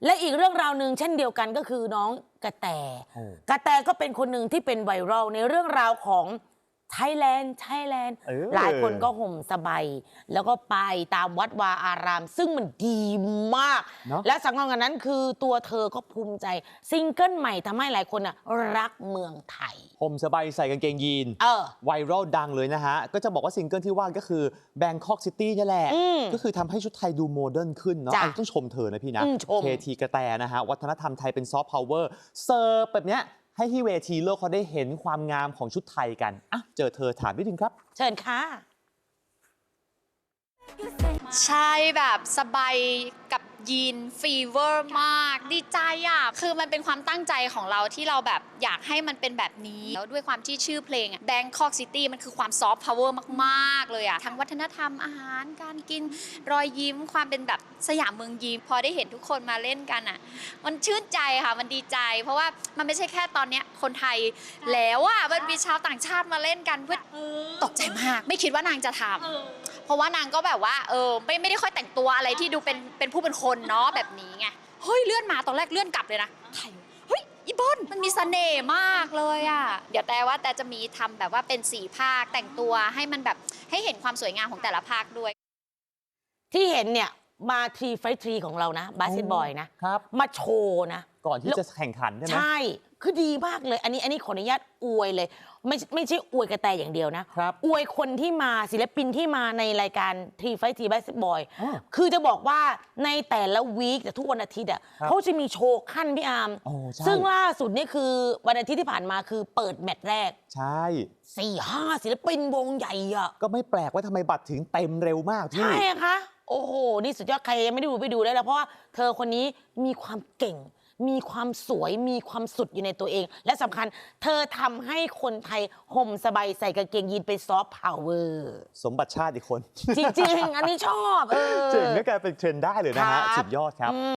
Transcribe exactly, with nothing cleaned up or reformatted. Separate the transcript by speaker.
Speaker 1: และอีกเรื่องราวหนึ่งเช่นเดียวกันก็คือน้องกระแตกระแตก็เป็นคนหนึ่งที่เป็นไวรัลในเรื่องราวของไทยแลนด์ไทยแลนด์หลายคนก็ห่มสบายแล้วก็ไปตามวัดวาอาราม ซึ่งมันดีมากและสำคัญกว่านั้นคือตัวเธอก็ภูมิใจซิงเกิลใหม่ทำให้หลายคนน่ะรักเมืองไทย
Speaker 2: ห่มสบายใส่กางเกงยีนไวรัลดังเลยนะฮะก็จะบอกว่าซิงเกิลที่ว่าก็คือ Bangkok City นี่แหละก็คือทำให้ชุดไทยดูโมเดิร์นขึ้นเนาะต้องชมเธอนะพี่นะเคทีกระแตนะฮะวัฒนธรรมไทยเป็นซอฟต์พาวเวอร์เซิร์ฟแบบเนี้ยให้ที่เวทีโลกเขาได้เห็นความงามของชุดไทยกันอ่ะเจอเธอถามนิดนึงครับ
Speaker 1: เชิญค่ะ
Speaker 3: ใช่แบบสบายกับยีนฟีเวอร์มากดีใจอ่ะคือมันเป็นความตั้งใจของเราที่เราแบบอยากให้มันเป็นแบบนี้แล้วด้วยความที่ชื่อเพลง Bangkok City มันคือความซอฟต์พาวเวอร์มากๆเลยอ่ะทั้งวัฒนธรรมอาหารการกินรอยยิ้มความเป็นแบบสยามเมืองยิ้มพอได้เห็นทุกคนมาเล่นกันอ่ะมันชื่นใจค่ะมันดีใจเพราะว่ามันไม่ใช่แค่ตอนเนี้ยคนไทยแล้วอ่ะมันมีชาวต่างชาติมาเล่นกันเพื่อตกใจมากไม่คิดว่านางจะทำเพราะว่านางก็แบบว่าเออไม่ไม่ได้ค่อยแต่งตัวอะไรที่ดูเป็นเป็นผู้เป็นคนเนาะแบบนี้ไงเฮ้ยเลื่อนมาตอนแรกเลื่อนกลับเลยนะไทยเฮ้ยอีบอนมันมีเสน่ห์มากเลยอ่ะเดี๋ยวแต่ว่าแต่จะมีทำแบบว่าเป็นสี่ภาคแต่งตัวให้มันแบบให้เห็นความสวยงามของแต่ละภาคด้วย
Speaker 1: ที่เห็นเนี่ยมาทีไฟทรีของเรานะบาสเกตบอลนะครับมาโชว์นะ
Speaker 2: ก่อนที่จะแข่งขันใช่ไหม
Speaker 1: ใช่คือดีมากเลยอันนี้อันนี้ขออนุญาตอวยเลยไม่ไม่ใช่อวยกระแตอย่างเดียวนะอวยคนที่มาศิลปินที่มาในรายการทีไฟทีบาสเกตบอลคือจะบอกว่าในแต่ละวีคแต่ทุกวันอาทิตย์อ่ะเขาจะมีโชว์ขั้นพี่อาร์มซึ่งล่าสุดนี่คือวันอาทิตย์ที่ผ่านมาคือเปิดแมตช์แรก
Speaker 2: ใช่
Speaker 1: สี่ห้าศิลปินวงใหญ่อ่ะ
Speaker 2: ก็ไม่แปลกว่าทำไมบัตรถึงเต็มเร็วมากพี่
Speaker 1: ใช่คะโอ้โหนี่สุดยอดใครยังไม่ได้ดูไปดูได้แล้วเพราะว่าเธอคนนี้มีความเก่งมีความสวยมีความสุดอยู่ในตัวเองและสำคัญเธอทำให้คนไทยห่มสบายใส่กางเกงยีนเป็นซอฟต์พาวเวอร์
Speaker 2: สมบัติชาติอีกคน
Speaker 1: จริงๆอันนี้ชอบเออ
Speaker 2: เจ๋งก็กลายเป็นเทรนด์ได้เลยนะฮะสุดยอดครับ